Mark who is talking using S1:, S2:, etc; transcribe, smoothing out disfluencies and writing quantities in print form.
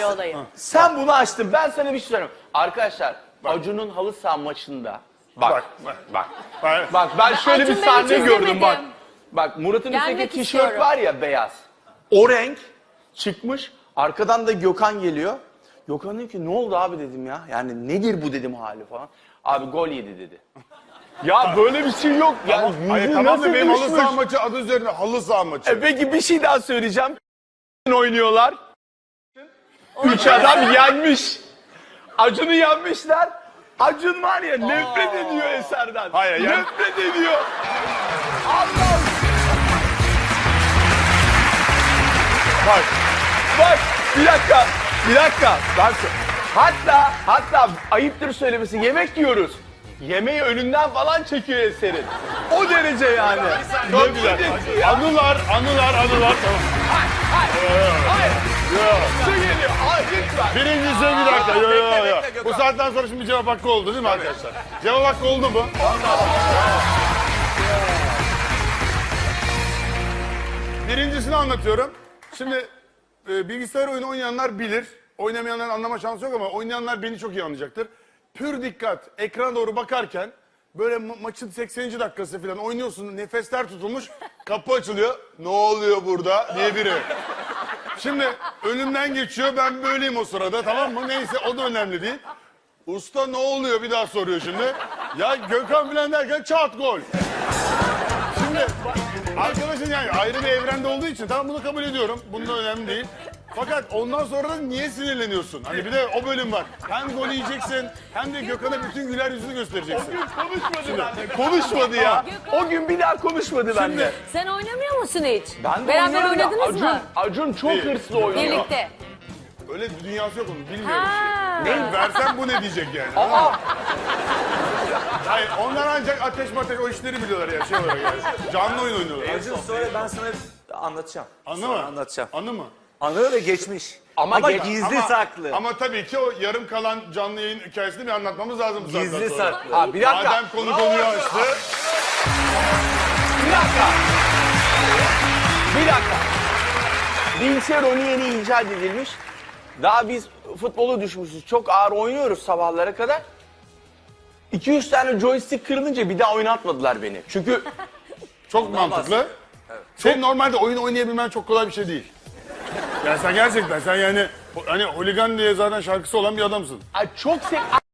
S1: olayı.
S2: Sen bunu açtın. Ben sana bir şey söyleyeyim. Arkadaşlar Acun'un halı saha maçında bak ben şöyle
S1: Acun
S2: bir
S1: ben
S2: sahne
S1: hiç
S2: gördüm
S1: izlemedim.
S2: Bak Murat'ın
S1: Gelmek
S2: üstteki tişört
S1: istiyorum.
S2: var ya beyaz. O renk çıkmış. Arkadan da Gökhan geliyor. Gökhan diyor ki ne oldu abi dedim ya. Yani nedir bu dedim hali falan. Abi gol yedi dedi. Ya böyle bir şey yok. Ya
S3: Hayır
S2: yüzü
S3: tamam
S2: nasıl
S3: da benim halı
S2: düşmüş?
S3: saha maçı adı üzerine halı saha maçı.
S2: Peki bir şey daha söyleyeceğim. Oynuyorlar. 3 adam yenmiş. Acun'u yenmişler. Acun var ya nefret ediyor Eser'den.
S3: Hayır,
S2: nefret ediyor. Allah'ım. Bak bir dakika. Bak, hatta ayıptır söylemesi yemek yiyoruz. Yemeği önünden falan çekiyor Eser'in. O derece yani.
S3: Çok güzel. Anılar. Tamam.
S2: Hayır. Su geliyor. Hayır lütfen.
S3: Birincisi bir dakika. Yo.
S4: bekle,
S3: Bu saatten sonra şimdi cevap hakkı oldu değil mi arkadaşlar? Cevap hakkı oldu mu? Birincisini anlatıyorum. Şimdi bilgisayar oyunu oynayanlar bilir. Oynamayanların anlama şansı yok ama oynayanlar beni çok iyi anlayacaktır. Pür dikkat. Ekrana doğru bakarken böyle maçın 80. dakikası falan oynuyorsun. Nefesler tutulmuş. Kapı açılıyor. Ne oluyor burada diye biri. Şimdi önümden geçiyor. Ben böyleyim o sırada, tamam mı? Neyse o da önemli değil. Usta ne oluyor bir daha soruyor şimdi. Ya Gökhan falan derken çat gol. Şimdi arkadaşın yani ayrı bir evrende olduğu için tamam bunu kabul ediyorum. Bunda önemli değil. Fakat ondan sonra da niye sinirleniyorsun? Hani bir de o bölüm var. Hem gol yiyeceksin hem de Gökhan'a bütün güler yüzünü göstereceksin.
S2: Konuşmadı benimle. Konuşmadı ya. O gün bir daha konuşmadı benimle.
S1: Sen oynamıyor musun hiç?
S2: Ben de
S1: Beraber
S2: oynuyorum da
S1: oynadınız mı?
S2: Acun çok hırslı oynuyor.
S1: Birlikte.
S3: Öyle bir dünyası yok onun, bilmiyorum.
S1: Ha.
S3: Ben versem bu ne diyecek yani?
S2: Aa,
S3: Hayır, onlar ancak ateş o işleri biliyorlar ya şey olarak yani. Canlı oyun oynuyorlar.
S4: Acun sonra ben sana anlatacağım.
S3: Anı
S4: Sonra
S3: mı?
S4: Anlatacağım.
S3: Anı mı?
S4: Anı ve geçmiş.
S2: Ama
S4: gizli saklı.
S3: Ama tabii ki o yarım kalan canlı yayın hikayesini bir anlatmamız lazım. bu saatten
S4: Gizli
S3: sonra.
S4: saklı.
S2: ha, bir dakika.
S3: Madem konu konuyu açtı.
S2: Bir dakika. Bilgisayar oyunu yeni icat edilmiş. Daha biz futbolu düşmüşüz. Çok ağır oynuyoruz sabahlara kadar. 200 tane joystick kırılınca bir daha oynatmadılar beni. Çünkü
S3: Çok mantıklı. Senin normalde oyun oynayabilmen çok kolay bir şey değil. Yani sen gerçekten yani hani holigan diye zaten şarkısı olan bir adamsın.
S2: çok